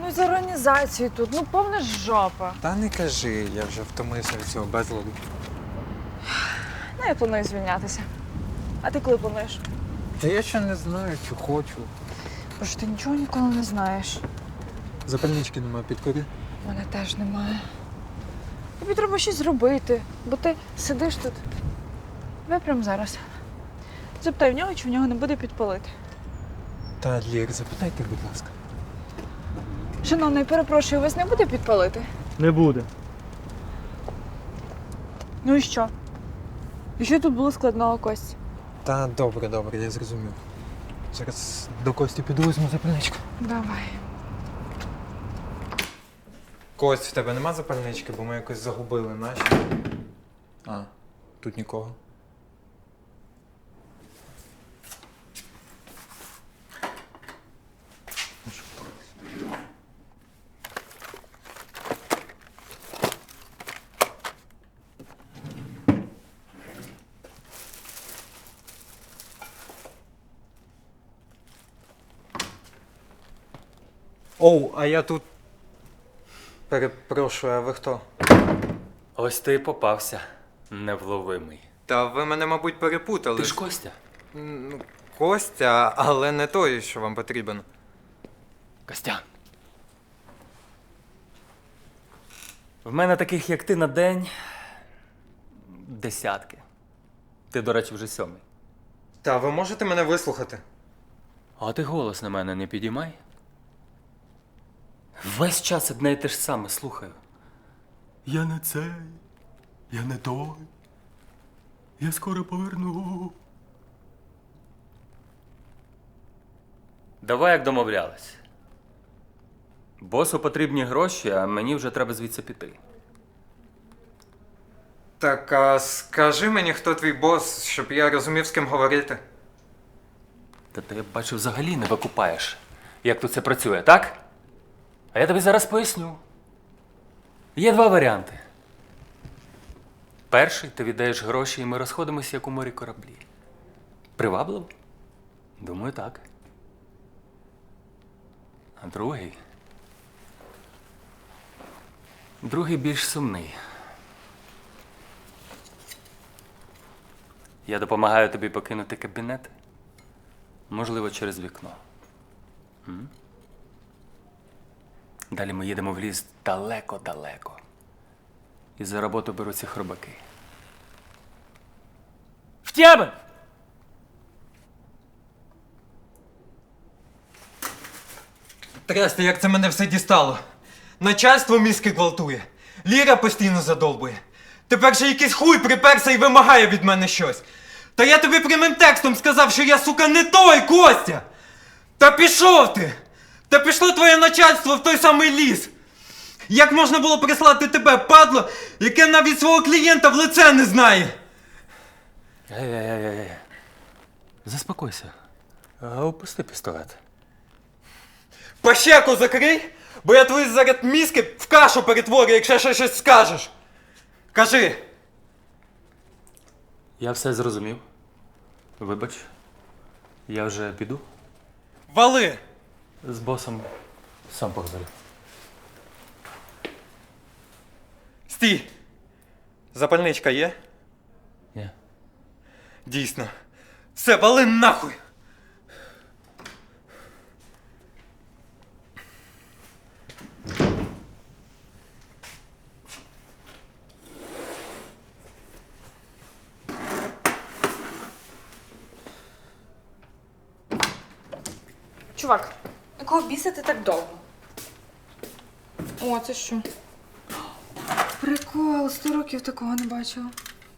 і з організацією тут, ну повна жопа. Та не кажи, я вже втомився від цього безладу. Ну, я планую звільнятися. А ти коли плануєш? Та я ще не знаю, чи хочу. Боже, ти нічого ніколи не знаєш. Запальнички немає, підкорі. У мене теж немає. Тобі треба щось зробити, бо ти сидиш тут. Давай прямо зараз. Запитай в нього, чи в нього не буде підпалити. Та, Лєр, запитайте, будь ласка. Шановний, перепрошую, вас не буде підпалити? Не буде. Ну і що? І що тут було складного, Кость? Та добре, я зрозумів. Зараз до Кості піду, візьму запальничку. Давай. Кость, в тебе нема запальнички, бо ми якось загубили наші. А, тут нікого. Оу, а я тут. Перепрошую, а ви хто? Ось ти і попався, невловимий. Та ви мене, мабуть, перепутали. Ти ж Костя? Ну, Костя, але не той, що вам потрібен. Костян. В мене таких, як ти, на день десятки. Ти, до речі, вже 7. Та ви можете мене вислухати? А ти голос на мене не підіймай. Весь час одне й те ж саме слухаю. Я не цей, я не той. Я скоро поверну. Давай, як домовлялись. Босу потрібні гроші, а мені вже треба звідси піти. Так, а скажи мені, хто твій бос, щоб я розумів, з ким говорити. Та ти, я бачу, взагалі не викупаєш, як тут це працює, так? А я тобі зараз поясню. Є 2 варіанти. Перший, ти віддаєш гроші, і ми розходимося, як у морі кораблі. Привабливо? Думаю, так. А другий більш сумний. Я допомагаю тобі покинути кабінет, можливо, через вікно. Далі ми їдемо в ліс далеко-далеко. І за роботу беруться хробаки. В тебе! Трясти, як це мене все дістало. Начальство мізки гвалтує. Ліра постійно задовбує. Тепер же якийсь хуй приперся і вимагає від мене щось. Та я тобі прямим текстом сказав, що я, сука, не той, Костя! Та пішов ти! Та пішло твоє начальство в той самий ліс! Як можна було прислати тебе, падло, яке навіть свого клієнта в лице не знає? Ей. Заспокойся. Опусти пістолет. Пащеку закрий, бо я твої зараз мізки в кашу перетворю, якщо ще щось скажеш. Кажи. Я все зрозумів. Вибач. Я вже піду. Вали! З босом сам поговорю. Стій! Запальничка є? Ні. Дійсно. Все, вали нахуй! Чувак, якого біса ти так довго? О, це що? Прикол, 100 років такого не бачила.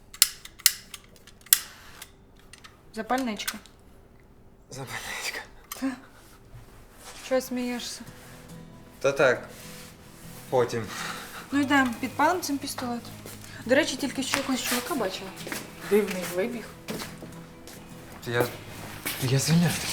Запальничка. Запальничка. Чого смієшся? Та так. Потім. Ну йдемо, підпалим цим пістолет. До речі, тільки що якогось чувака бачила. Дивний вибіг. Я звільняюсь.